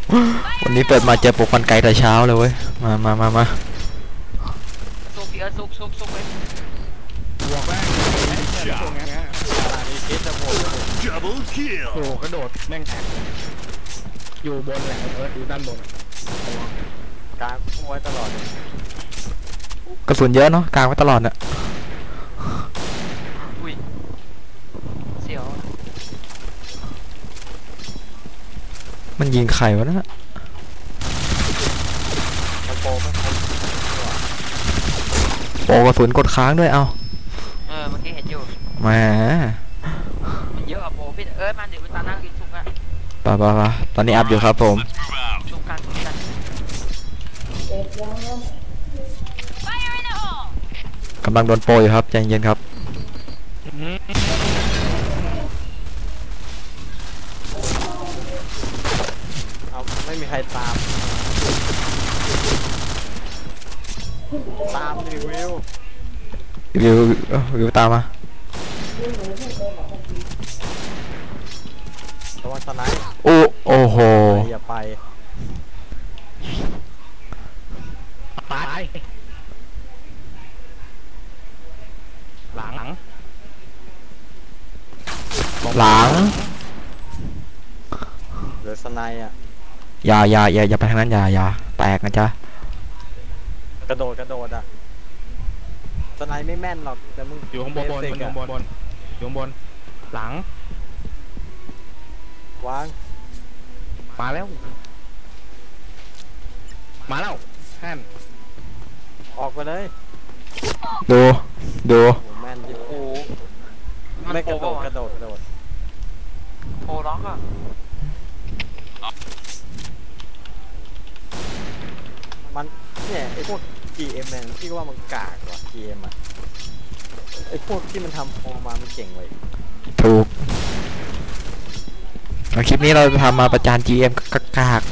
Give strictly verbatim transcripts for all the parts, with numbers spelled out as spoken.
วันนี้เปิดมาเจอปลุกฟันไกแต่เช้าเลยเว้ยมามามามาซุกเยอะซุกซุกซุกเลยบวกแม่งตรงนี้อะไรนี่คิดจะโผล่โผล่กระโดดแม่งแตกอยู่บนแหละเอออยู่ด้านบนกลางไว้ตลอดกระสุนเยอะเนาะกลางไว้ตลอดเนี่ยอุ้ยเสียวมันยิงไข่วะนะโปไม่โปกระสุนกดค้างด้วยเอาเออเมื่อกี้เห็นอยู่แหมมันเยอะอะโปพี่เอ้ยมันเดี๋ยวตานั่งกินซุกอะป่ะป่ะป่ะตอนนี้อัพอยู่ครับผมซุกกันซุกกันกำลังโดนโปรอยู่ครับใจเย็นครับเอาไม่มีใครตามตามดิวิววิววิวตามมาระวังสไนป์โอ้โอ้โหอย่าไปตายหลังหลังเหลือสไนป์อ่ะอย่าอย่าอย่าอย่าไปทางนั้นอย่าอย่าแตกนะจ๊ะกระโดดกระโดดอ่ะสไนป์ไม่แม่นหรอกแต่มึงอยู่ข้างบนบนอยู่ข้างบนบนอยู่ข้างบนหลังวางมาแล้วมาแล้วแท่นออกไปเลยดูดูแม่นยิบกูไม่กระโดดกระโดดกระโดดโปล็อกอ่ะมันเนี่ยไอพวก จี เอ็ม แม่งพี่ก็ว่ามันกากว่ะ จี เอ็ม อ่ะไอพวกที่มันทำโปรมามันเก่งเลยถูกคลิปนี้เราจะทำมาประจาน จี เอ็ม กาก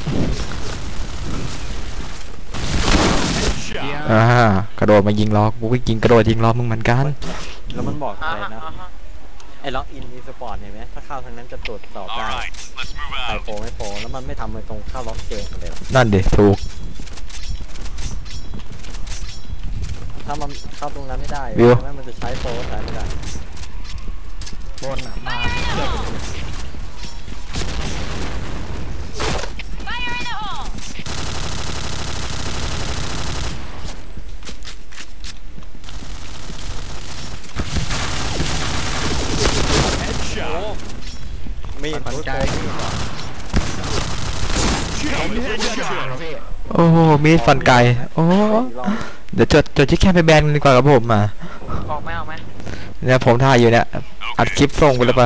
อ่ากระโดดมายิงล้อกูก็ยิงกระโดดยิงล้อมึงเหมือนกันแล้วมันบอกอะไรนะไอ้ล็อกอินอีสปอร์ตเห็นไหมถ้าเข้าทางนั้นจะตรวจสอบได้ใครโปรไม่โปรแล้วมันไม่ทำเลยตรงเข้าล็อกเกมเลยนั่นดิถูกถ้ามันเข้าตรงนั้นไม่ได้แม้มันจะใช้โปรใช้ไม่ได้บนอ่ะมามีดใจโอ้มีดฟันไก่โอ้เดี๋ยวจดจดที่แค่ไปแบนดีกว่าครับผมมาออกไหมออกไหมเนี่ยผมถ่ายอยู่เนี่ยอัดคลิปส่งไปแล้วปะ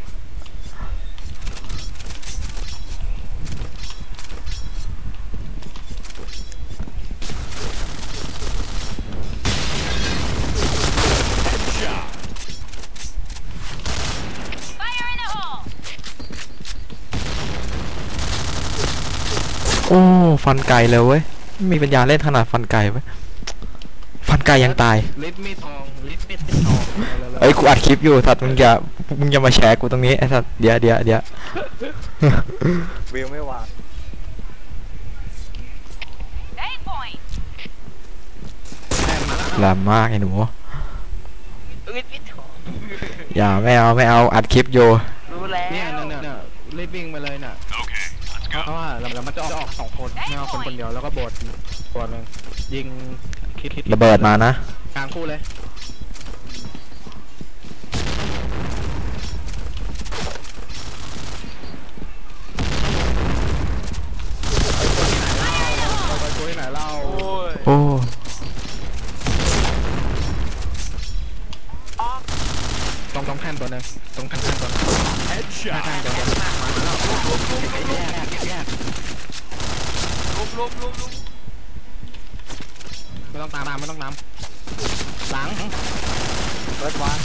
โอ้ฟันไก่เลยเว้ยมีปัญญาเล่นขนาดฟันไก่เว้ยฟันไก่ยังตายลิฟมีทองลิฟมีทองเอ้ยกูอัดคลิปอยู่สัตว์มึงอย่ามึงอย่ามาแชร์กูตรงนี้ไอ้สัตว์เดี๋ยวเดี๋ยวเดี๋ยววิวไม่วางแรงมากไอ้หนูอย่าไม่เอาไม่เอาอัดคลิปอยู่รู้แล้วเนี่ยเนี่ยลิฟวิ่งไปเลยน่ะเพราะว่าแล้วมันจะออกสองคนไม่เอาคนคนเดียวแล้วก็บดบดหนึ่งยิงคิดคิดระเบิดมานะกลางคู่เลยไปคุยไหนเล่าโอ้ตรงตรงแท่นตัวนึงตรงแท่นตัวนึงแท่นตัวนึงมาแล้วแยกแยกลุมลุมลุมลุมไม่ต้องตามไม่ต้องตามหลังเปิดวาง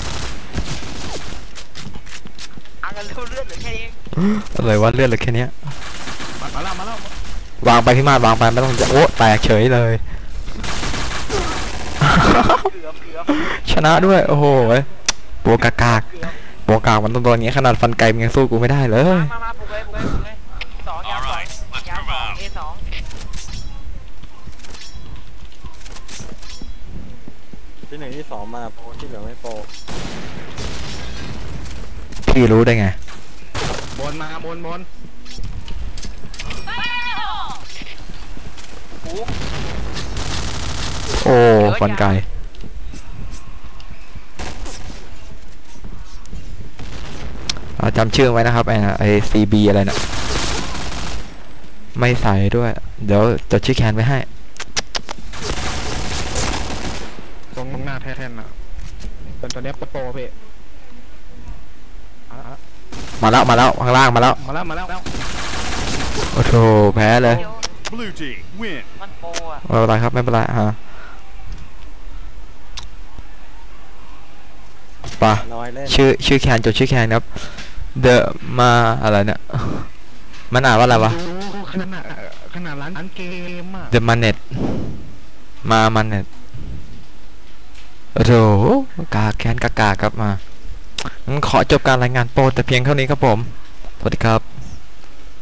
อ่ะกันเลือดเหลือแค่นี้อะไรวะเลือดเหลือแค่นี้มาแล้วมาแล้ววางไปพี่มาดวางไปไม่ต้องจะโอ้แตกเฉยเลยชนะด้วยโอ้โหโปกากากโปกากมันตัวนี้ขนาดฟันไก่มันยังสู้กูไม่ได้เลยมามาปุ๊บเลยปุ๊บเลยปุ๊บเลยสองยาวสองที่หนึ่งที่สองมาโปรที่เหลือไม่โปรพี่รู้ได้ไงบนมาบนบนโอ้โอ้ฟันไก่อ่าจำชื่อไว้นะครับไอ้นะไอซีบีอะไรนะไม่ใส่ด้วย เดี๋ยวจดชื่อแคนไว้ให้ตรงหน้าแท่นๆอ่ะเป็นตัวเนี้ยโปรพี่อ่ะมาแล้วมาแล้วข้างล่างมาแล้วมาแล้วมาแล้วโอ้โหแพ้เลยเดี๋ยว Blue team win. มันโปรอะไม่เป็นไรครับไม่เป็นไรฮะป่ะน้อยเล่นชื่อชื่อแคนจดชื่อแคนครับ The มาอะไรเนี่ยมันอ่านว่าอะไรวะดูขนาดขนาดร้านเกมอ่ะ The Manet มา Manet โอ้โหกาแคนกากาครับมางั้นขอจบการรายงานโปรแต่เพียงเท่านี้ครับผม สวัสดีครับ